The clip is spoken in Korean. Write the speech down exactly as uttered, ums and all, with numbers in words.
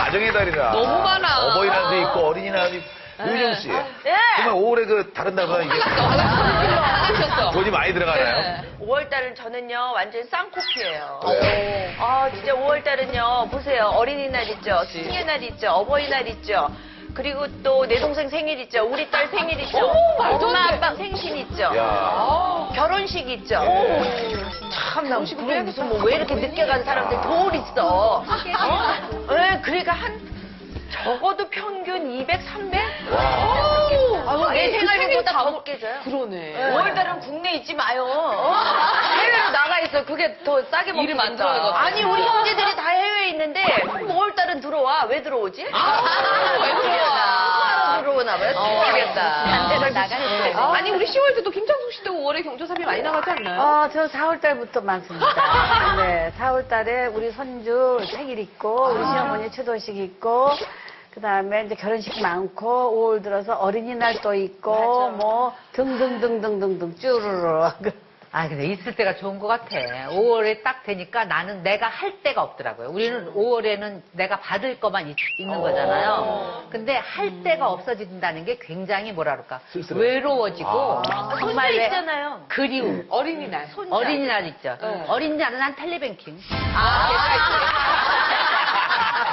가정의 달이라. 너무 많아. 어버이날도 있고 어린이날도 있고. 유정 씨. 네. 정말 오월에 그 다른 날보다 이게 하나셨어. 돈이 많이 들어가나요? 네. 오월달은 저는요 완전 쌍코피예요. 그래요? 아 진짜 오월달은요 보세요 어린이날 있죠, 스승의 날 있죠, 어버이날 있죠. 그리고 또 내 동생 생일 있죠, 우리 딸 생일 있죠, 어머, 말도 안 엄마 돼. 아빠 생신 있죠, 야. 결혼식 있죠. 예. 참나 무슨 무슨 뭐 왜 이렇게 늦게 간 사람들 돌 있어. 어? 네, 그러니까 한 적어도 평균 이백, 삼백? 아, 내 생활비보다 더 먹게 줘요. 그러네. 오월달은 국내에 있지 마요. 어? 해외로 나가 있어. 그게 더 싸게 먹게 일을 된다. 만들어야겠다. 아니 우리 형제들이 다 해외에 있는데 오월달은 들어와. 왜 들어오지? 아, 왜 들어와? 수화로 들어오나 봐요. 모르겠다. 반대로 나가는 거. 아니, 우리 시월 때도 김창숙 씨도 오월에 경조사비 많이 나가지 않나요? 어, 저 사월 달부터 많습니다. 네, 사월 달에 우리 손주 생일 있고, 우리 시어머니 추도식 있고, 그 다음에 이제 결혼식 많고, 오월 들어서 어린이날 또 있고, 뭐, 등등등등등등 쭈루루. 아, 근데 있을 때가 좋은 것 같아. 오월에 딱 되니까 나는 내가 할 데가 없더라고요. 우리는 오월에는 내가 받을 것만 있, 는 거잖아요. 근데 할 데가 없어진다는 게 굉장히 뭐라 그럴까. 쓸쓸해. 외로워지고, 정말 왜 있잖아요. 그리움. 어린이날. 어린이날 있죠. 네. 어린이날은 난 텔레뱅킹. 아,